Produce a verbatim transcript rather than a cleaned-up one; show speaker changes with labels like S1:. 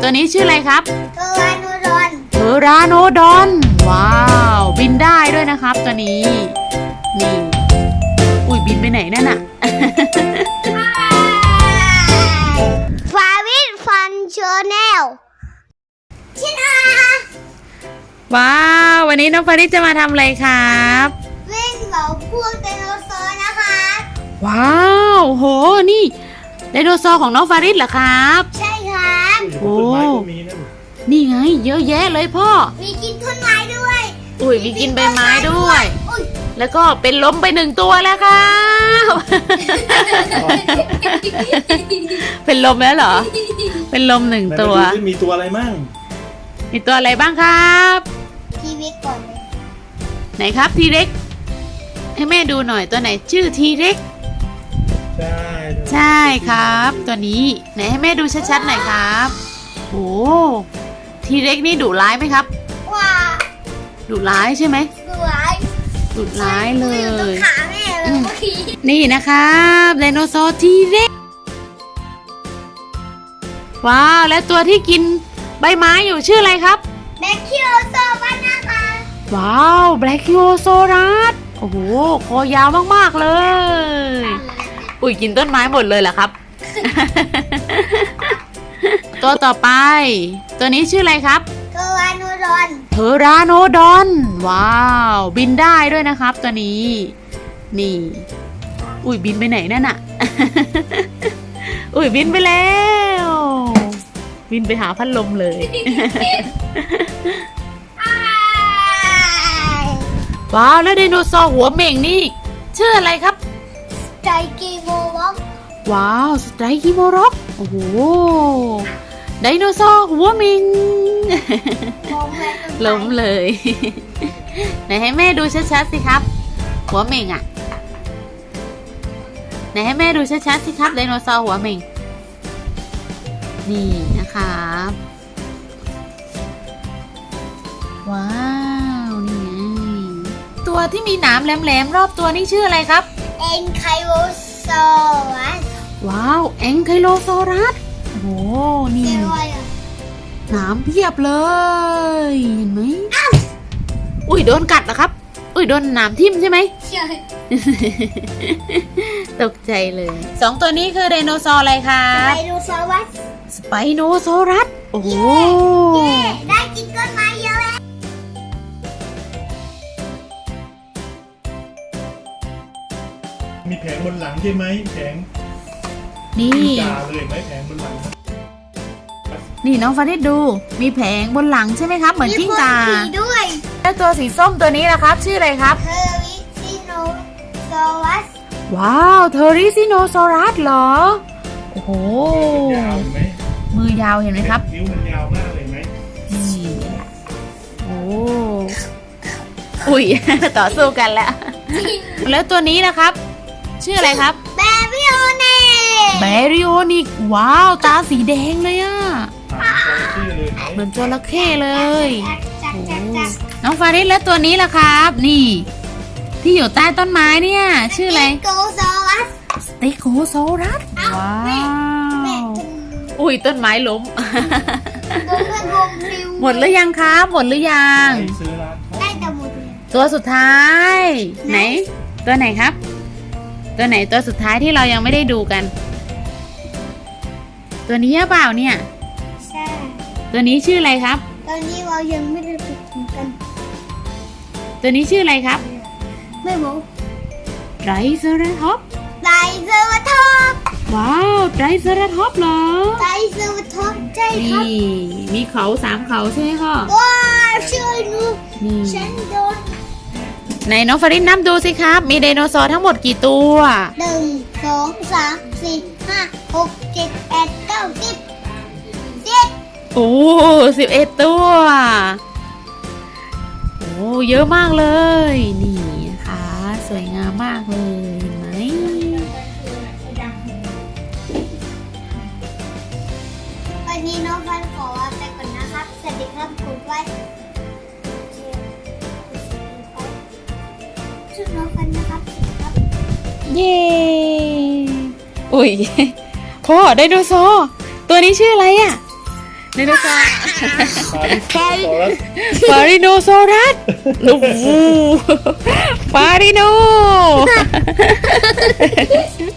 S1: ตัวนี้ชื่ออะไรครับ
S2: เทอราโนดอน
S1: เทอราโนดอน ว้าว บินได้ด้วยนะครับตัวนี้ นี่ อุ้ยบินไปไหนนั่นน่ะ
S2: ฟาวิทฟันชาแนลชินา
S1: ว้าว วันนี้น้องฟาริสจะมาทำอะไรครับ
S2: วิ่งเหล่าพวกไดโนเสาร์นะคะ
S1: ว้าว โห นี่ไดโนเสาร์ของน้องฟาริสเหรอครับ
S2: ใช่ครับ
S1: โอ้ นี่ไง เยอะแยะเลยพ่อ
S2: มีกินต้นไม้ด้วย
S1: อุ้ยมีกินใบไม้ด้วย
S2: อุ๊ย
S1: แล้วก็เป็นล้มไปหนึ่งตัวแล้วครับ เป็นลมแล้วเหรอ เป็นลมหนึ่งตัว
S3: มีตัวอะไรมั่ง
S1: มีตัวอะไรบ้างครับ
S2: ทีวีก่อนเลย
S1: ไหนครับทีเร็กให้แม่ดูหน่อยตัวไหนชื่อทีเร็ก
S3: ใช่
S1: ใช่ครับ ตัวนี้ไหนให้แม่ดูชัดๆหน่อยครับโอ้ทีเร็กนี่ดุร้ายไหมครับ
S2: ว้า
S1: ดุร้ายใช่ไหม
S2: สวย
S1: ดุร้ายเล
S2: อยู่ตรง
S1: ย
S2: ขาแม่เลยเมื่อกี้
S1: นี่นะครับไดโนเสาร์ทีเร็กว้าวและตัวที่กินใบไม้อยู่ชื่ออะไรครับ
S2: แบคคิโอโซบ้านนะคะ
S1: ว้าวแบล็คิโอโซรัสโอ้โหคอยาวมากๆเลยอุ้ยกินต้นไม้หมดเลยเหรอครับ ตัวต่อไป ตัวนี้ชื่ออะไรครับ
S2: เทอราโนดอน
S1: เทอราโนดอน ว้าว บินได้ด้วยนะครับตัวนี้ นี่ อุ้ยบินไปไหนนั่นน่ะ อุ้ยบินไปแล้ว บินไปหาพัดลมเลย ว้าวแล้วไดโนเสาร์หัวเหม่งนี่ชื่ออะไรครับ
S2: ใจกีโมล็อก
S1: ว้าวสไตรคิโมร็อกโอ้โหไดโนเสาร์หัวเหม่ง
S2: มองแม่ต้นไม้
S1: ล้มเลย ไหนให้แม่ดูชัดๆสิครับ หัวเหม่งอ่ะไหนให้แม่ดูชัดๆสิครับไดโนเสาร์หัวเหม่งนี่นะครับว้าวนี่ไงตัวที่มีหนามแหลมๆรอบตัวนี่ชื่ออะไรครับ
S2: เอ็นไคโรซอรัส
S1: ว้าวแองไคโลซอรัสโอ้โหนี่
S2: เรียกว่าอะไร
S1: หนามเพียบเลยเห็นไหมอุ้ยโดนกัดเหรอครับอุ้ยโดนหนามทิ่มใช่ไหม
S2: ใช่
S1: ตกใจเลยสองตัวนี้คือไดโนเสาร์อะไรครับ
S2: ไดโนเสาร์วัส
S1: สไปโนซอรัสโอ้โห
S2: เย้ได้กินต้นไม้เยอะแล้ว
S3: มีแผงบนหลังใช่ไหมแผง
S1: นี่
S3: จ่าเลยไหมแผงบนหลัง
S1: นี่น้องฟาริสดูมีแผงบนหลังใช่ไหมครับเหมือนจิ้งจา
S2: มีคนขี่ด้วย
S1: แล้วตัวสีส้มตัวนี้นะครับชื่ออะไรครับ
S2: เทอริซิโนซอรัส
S1: ว้าวเทอริซิโนซอรัสเหรอโอ้โห
S3: ยาวเห็นไหม
S1: มือยาวเห็นไหมครับ
S3: นิ้วมันยาวมากเลยไหม
S1: นี่โอ้อุ้ย ต่อสู้กันแล้ว แล้วตัวนี้นะครับ ชื่ออะไรครับ
S2: แบบิโอเน่
S1: แบริโอนิกว้าวตาสีแดงเลยอะ
S3: อ่านชื่อเลยไหม
S1: เหมือนจระเข้เลย
S2: จัก
S1: โอ้
S2: จักจัก
S1: น้องฟาริสแล้วตัวนี้ล่ะครับ นี่ ที่อยู่ใต้ต้นไม้เนี่ย ชื่ออะไร
S2: โกซอรัส
S1: สเตโคโซรัส
S2: เอ้า
S1: ว้า
S2: แม่แม่
S1: วอุ้ยต้นไม้ล้ม
S2: โดนกระดงปลิว
S1: หมดหรือยังครับหมดหรือยัง
S3: ไปซื้อร้านเขา
S2: ได้แต่หมดเลย
S1: ตัวสุดท้าย ไหน ตัวไหนครับ ตัวไหนตัวสุดท้ายที่เรายังไม่ได้ดูกัน ตัวนี้หรือเปล่าเนี่ย
S2: ใช่
S1: ตัวนี้ชื่ออะไรครับ
S2: ตอนนี้เรายังไม่ได้ไปกินกัน
S1: ตัวนี้ชื่ออะไรครับ
S2: ไม่บอก
S1: ไรเซอราท็อป
S2: ไดเซอร์ท็อป
S1: ว้าวไรเซอราท็อปเหรอ
S2: ไดเซอร์ท็อปใช่ครับ
S1: นี่มีเขาสามเขาใช่ไหมพ่อ
S2: ว้าวช่วยหนู
S1: นี่
S2: ฉันโดน
S1: ไหนน้องฟาริสนับดูสิครับ มีไดโนเสาร์ทั้งหมดกี่ตัว
S2: หนึ่งสองสามสี่ห้าหกเจ็ดแปดเก้าสิบสิบ
S1: โอ้สิบเอ็ดตัว โอ้เยอะมากเลย นี่นะคะสวยงามมากเลยเห็นไหม
S2: วันนี้น้องฟันขอไปก่อนนะครับสวัสดีครับกดไว้ชื่อน้องฟันนะครับสวัสดีครับ
S1: เย้อุ้ย พ่อไดโนเสาร์ตัวนี้ชื่ออะไรอะไดโนเสาร์
S3: ปาริโซรัส
S1: ฟาริโนซอรัสโอ้โหฟาริโน